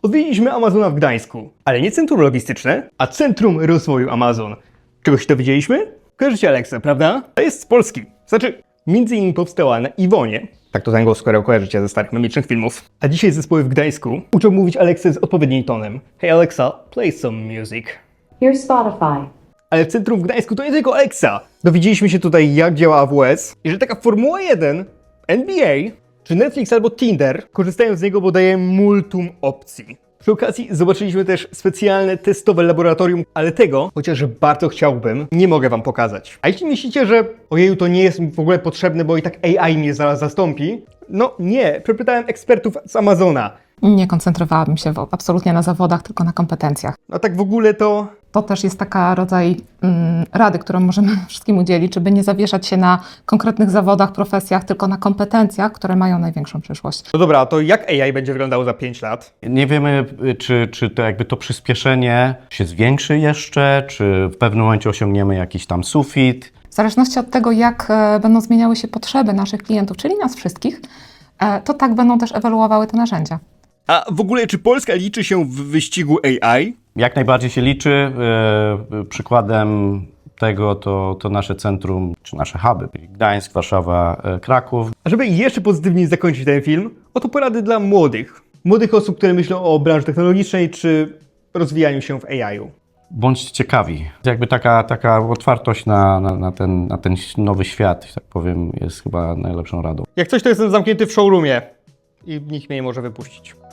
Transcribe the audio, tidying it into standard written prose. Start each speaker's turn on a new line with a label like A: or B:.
A: Odwiedziliśmy Amazona w Gdańsku, ale nie centrum logistyczne, a centrum rozwoju Amazon. Czegoś się dowiedzieliśmy? Kojarzycie Alexę, prawda? To jest z Polski. Znaczy, między innymi powstała na Iwonie. Tak to z angielskiego kojarzycie ze starych memicznych filmów. A dzisiaj zespoły w Gdańsku uczą mówić Alexę z odpowiednim tonem. Hey Alexa, play some music.
B: Here's Spotify.
A: Ale w centrum w Gdańsku to nie tylko Alexa. Dowiedzieliśmy się tutaj, jak działa AWS i że taka Formuła 1, NBA czy Netflix albo Tinder korzystają z niego, bo daje multum opcji. Przy okazji zobaczyliśmy też specjalne testowe laboratorium, ale tego, chociaż bardzo chciałbym, nie mogę wam pokazać. A jeśli myślicie, że ojeju, to nie jest mi w ogóle potrzebne, bo i tak AI mnie zaraz zastąpi, no nie, przepytałem ekspertów z Amazona.
C: Nie koncentrowałabym się absolutnie na zawodach, tylko na kompetencjach.
A: A tak w ogóle to...
C: To też jest taka rodzaj rady, którą możemy wszystkim udzielić, żeby nie zawieszać się na konkretnych zawodach, profesjach, tylko na kompetencjach, które mają największą przyszłość.
A: No dobra, to jak AI będzie wyglądało za 5 lat?
D: Nie wiemy, czy to jakby to przyspieszenie się zwiększy jeszcze, czy w pewnym momencie osiągniemy jakiś tam sufit.
C: W zależności od tego, jak będą zmieniały się potrzeby naszych klientów, czyli nas wszystkich, to tak będą też ewoluowały te narzędzia.
A: A w ogóle, czy Polska liczy się w wyścigu AI?
D: Jak najbardziej się liczy. Przykładem tego to nasze centrum, czy nasze huby, czyli Gdańsk, Warszawa, Kraków.
A: A żeby jeszcze pozytywnie zakończyć ten film, oto porady dla młodych. Młodych osób, które myślą o branży technologicznej, czy rozwijaniu się w AI-u.
D: Bądźcie ciekawi. Jakby taka otwartość na ten nowy świat, że tak powiem, jest chyba najlepszą radą.
A: Jak coś, to jestem zamknięty w showroomie i nikt mnie nie może wypuścić.